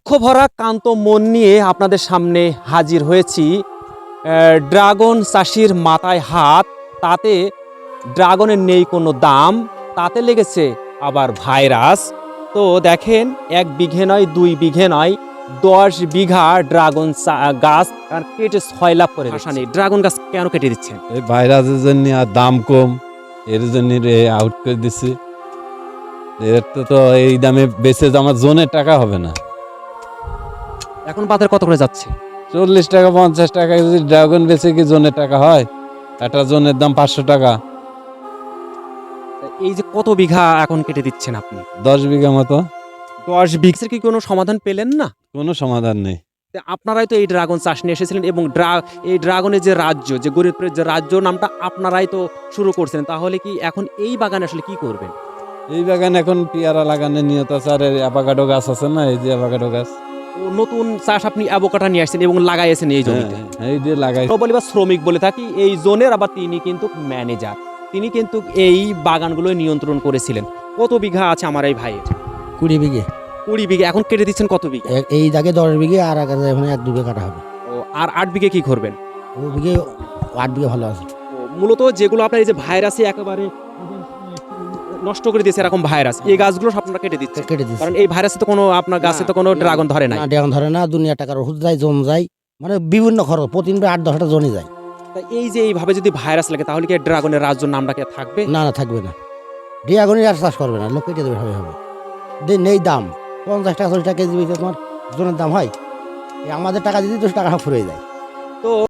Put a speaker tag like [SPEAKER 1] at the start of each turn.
[SPEAKER 1] দুঃখ ভরা ক্লান্ত মন নিয়ে আপনাদের সামনে হাজির হয়েছি। ড্রাগন চাষির মাথায় হাত, তাতে ড্রাগনের নেই কোনো দাম, তাতে লেগেছে আবার ভাইরাস। তো দেখেন, 1 বিঘে নয়, 2 বিঘে নয়, 10 বিঘা ড্রাগন গাছ কেটে 6 লাখ করে নেই। ড্রাগন গাছ কেন কেটে দিচ্ছেন?
[SPEAKER 2] এই ভাইরাসের জন্য আর দাম কম, এর জন্য আউট করে দিচ্ছি। এর তো এই দামে বেচে আমার জোনের টাকা হবে না।
[SPEAKER 1] এখন বাজার কত করে যাচ্ছে?
[SPEAKER 2] 40 টাকা 50 টাকা যদি ড্রাগন বেচে কি জোনের টাকা হয়? একটা জোনের দাম 500 টাকা।
[SPEAKER 1] এই যে কত বিঘা এখন কেটে দিচ্ছেন আপনি?
[SPEAKER 2] 10 বিঘা মতো।
[SPEAKER 1] 10 বিঘার কি কোনো সমাধান পেলেন না?
[SPEAKER 2] কোনো সমাধান নেই।
[SPEAKER 1] তা আপনারাই তো এই ড্রাগন চাষ নিয়ে এসেছিলেন, এবং এই ড্রাগনের যে রাজ্য, যে গরিবের যে রাজ্য নামটা আপনারাই তো শুরু করছিলেন। তাহলে কি এখন এই বাগানে আসলে কি করবেন?
[SPEAKER 2] এই বাগান এখন পেয়ারা লাগানোর নিয়ত আছে, আর অ্যাভোকাডো গাছ আছে না, এই যে অ্যাভোকাডো গাছ।
[SPEAKER 1] ও নতুন চাষ আপনি অ্যাভোকাডো নিয়ে আসছেন এবং লাগাইছেন এই জমিতে।
[SPEAKER 2] এই যে লাগাই।
[SPEAKER 1] বলি বা শ্রমিক বলে থাকি এই জোনের, আবার তিনি কিন্তু ম্যানেজার। তিনি কিন্তু এই বাগানগুলো নিয়ন্ত্রণ করেছিলেন। কত বিঘা আছে আমার এই ভাইয়ের?
[SPEAKER 3] 20 বিঘে।
[SPEAKER 1] 20 বিঘা। এখন কেটে দিচ্ছেন কত বিঘা?
[SPEAKER 3] এই দাগে 10 বিঘে, আর আগে এখন 1-2 বিঘে কাটা হবে।
[SPEAKER 1] ও, আর 8 বিঘে কি করবেন?
[SPEAKER 3] ও বিঘে 8 বিঘে ভালো আছে।
[SPEAKER 1] ও, মূলত যেগুলো আপনার এই যে ভাইরাসে একেবারে নষ্ট করে দিয়েছে, এরকম ভাইরাস, এই গাছগুলো সব আপনারা কেটে দিচ্ছে।
[SPEAKER 3] কেটে দিচ্ছে।
[SPEAKER 1] কারণ এই ভাইরাসে তো কোনো আপনার গাছে তো কোনো ড্রাগন ধরে নাই।
[SPEAKER 3] না, ড্রাগন ধরে না, দুনিয়া টাকার ওষুধ যায়, জম যায়, মানে বিভিন্ন খরচ, প্রতিদিন 8-10টা জনই যায়।
[SPEAKER 1] তা এই যে এইভাবে যদি ভাইরাস লাগে, তাহলে কি ড্রাগনের রাজ্য নামটা কি থাকবে?
[SPEAKER 3] না না, থাকবে না। ড্রাগনই আর চাষ করবে না, লোক কেটে দেবে, হবে। নেই দাম, 50 টাকা 40 টাকা কেজি তোমার জনের দাম হয়। আমাদের টাকা দিতে 10 টাকা ফুরিয়ে যায়।
[SPEAKER 1] তো